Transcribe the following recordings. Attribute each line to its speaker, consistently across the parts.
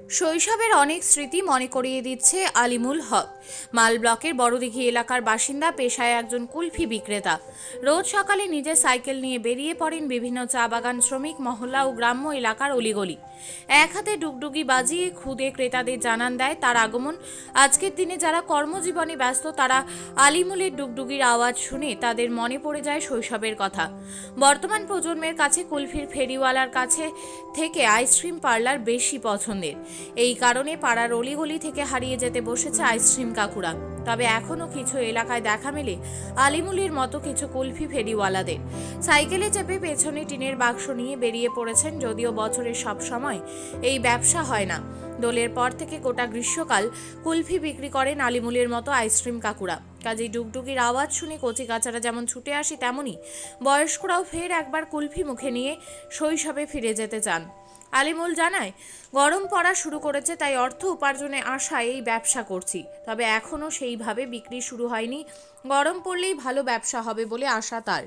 Speaker 1: শৈশবের অনেক স্মৃতি মনে করিয়ে দিচ্ছে আলিমুল হক। মাল ব্লকের বড়দিঘি এলাকার বাসিন্দা, পেশায় একজন কুলফি বিক্রেতা। রোজ সকালে নিজের সাইকেল নিয়ে বেরিয়ে পড়েন বিভিন্ন চা বাগান, শ্রমিক মহল্লা ও গ্রাম্য এলাকার অলিগলি। এক হাতে ডুগডুগি বাজিয়ে খুদে ক্রেতাদের জানান দেয় তার আগমন। আজকের দিনে যারা কর্মজীবনে ব্যস্ত, তারা আলিমুলের ডুগডুগির আওয়াজ শুনে তাদের মনে পড়ে যায় শৈশবের কথা। বর্তমান প্রজন্মের কাছে কুলফির ফেরিওয়ালার কাছে থেকে আইসক্রিম পার্লার বেশি পছন্দের। এই কারণে পাড়ার অলিগলি থেকে হারিয়ে যেতে বসেছে আইসক্রিম কাকুরা। তবে এখনও কিছু এলাকায় দেখা মেলে আলিমুলের মতো কিছু কুলফি ফেরিওয়ালাদের। সাইকেলে চেপে পেছনে টিনের বাক্স নিয়ে বেরিয়ে পড়েছেন, যদিও বছরের সব সময় এই ব্যবসা হয় না। দোলের পর থেকে গোটা গ্রীষ্মকাল কুলফি বিক্রি করেন আলিমুলের মতো আইসক্রিম কাকুরা। কাজেই ডুগডুগির আওয়াজ শুনে কচিকাচারা যেমন ছুটে আসে, তেমনি বয়স্করাও ফের একবার কুলফি মুখে নিয়ে শৈশবে ফিরে যেতে চান। আলিমুল জানায়, গরম পড়া শুরু করেছে, তাই অর্থ উপার্জনে আশায় এই ব্যবসা করছি। তবে এখনও সেইভাবে বিক্রি শুরু হয়নি। গরম পড়লেই ভালো ব্যবসা হবে বলে আশা তার।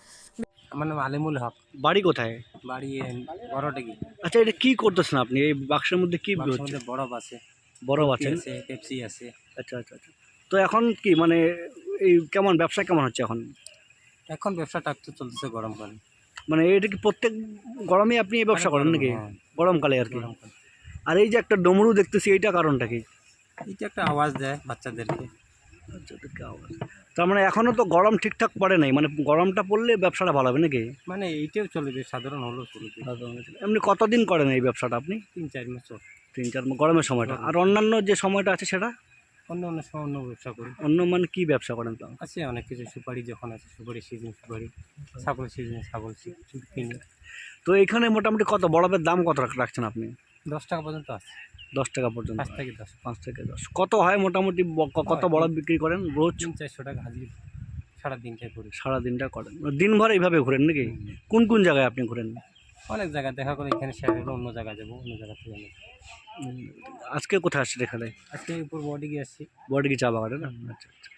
Speaker 2: আমার নাম আলিমুল হক।
Speaker 3: বাড়ি কোথায়?
Speaker 2: বাড়ি বড়ডিঘি।
Speaker 3: আচ্ছা, এটা কি করতেছেন আপনি? এই বাক্সের মধ্যে কি
Speaker 2: বাক্সের
Speaker 3: হচ্ছে?
Speaker 2: মধ্যে বরফ আছে,
Speaker 3: বরফ
Speaker 2: কুলফি
Speaker 3: আছে?
Speaker 2: আছে, পেপসি আছে।
Speaker 3: আচ্ছা আচ্ছা আচ্ছা। তো এখন কি মানে এই কেমন ব্যবসা কেমন হচ্ছে এখন?
Speaker 2: এখন ব্যবসাটা একটু চলতেছে গরমকালে।
Speaker 3: মানে এটা কি প্রত্যেক গরমে আপনি এই ব্যবসা করেন নাকি?
Speaker 2: হ্যাঁ,
Speaker 3: গরমকালে আর কি।
Speaker 2: গরমকালে।
Speaker 3: আর এই যে একটা ডমরু দেখতেছি, এইটা কারণটা কি?
Speaker 2: এটা একটা আওয়াজ দেয় বাচ্চাদেরকে।
Speaker 3: আচ্ছা, এটা কি আওয়াজ? তার মানে এখনো তো গরম ঠিকঠাক পড়ে নাই, মানে গরমটা পড়লে ব্যবসাটা ভালো হবে নাকি?
Speaker 2: মানে এইটাও চলবে, সাধারণ হলেও চলবে।
Speaker 3: এমনি কতদিন করেন এই ব্যবসাটা আপনি?
Speaker 2: 3-4 মাস চল।
Speaker 3: 3-4 গরমের সময়টা। আর অন্যান্য যে সময়টা আছে সেটা?
Speaker 2: অন্য অন্য সময় অন্য ব্যবসা করি।
Speaker 3: অন্য মানে কি ব্যবসা করেন তো?
Speaker 2: আছে অনেক কিছু, সুপারি যখন আছে সুপারি সিজন, সুপারি ছাগল সিজনে ছাগল কিনি।
Speaker 3: তো এখানে মোটামুটি কত বরফের দাম কত রাখছেন আপনি?
Speaker 2: 10 টাকা পর্যন্ত আছে।
Speaker 3: 10 টাকা পর্যন্ত?
Speaker 2: 5 থেকে 10।
Speaker 3: 5 থেকে 10 কত হয় মোটামুটি? কত বরফ বিক্রি করেন রোজ?
Speaker 2: 300-400 টাকা হাজির সারাদিনটাই করি।
Speaker 3: সারাদিনটা করেন, দিনভর এইভাবে ঘুরেন নাকি? কোন কোন জায়গায় আপনি ঘুরেন?
Speaker 2: অনেক জায়গায় দেখা করে, এখানে শেষ হলো অন্য জায়গায় যাবো, অন্য জায়গা থেকে নেবো।
Speaker 3: আজকে কোথায় আসছেন এখানে?
Speaker 2: আজকে উপর বডি গিয়ে আসছি।
Speaker 3: বড়ডিঘি চা বাগানে না? আচ্ছা আচ্ছা।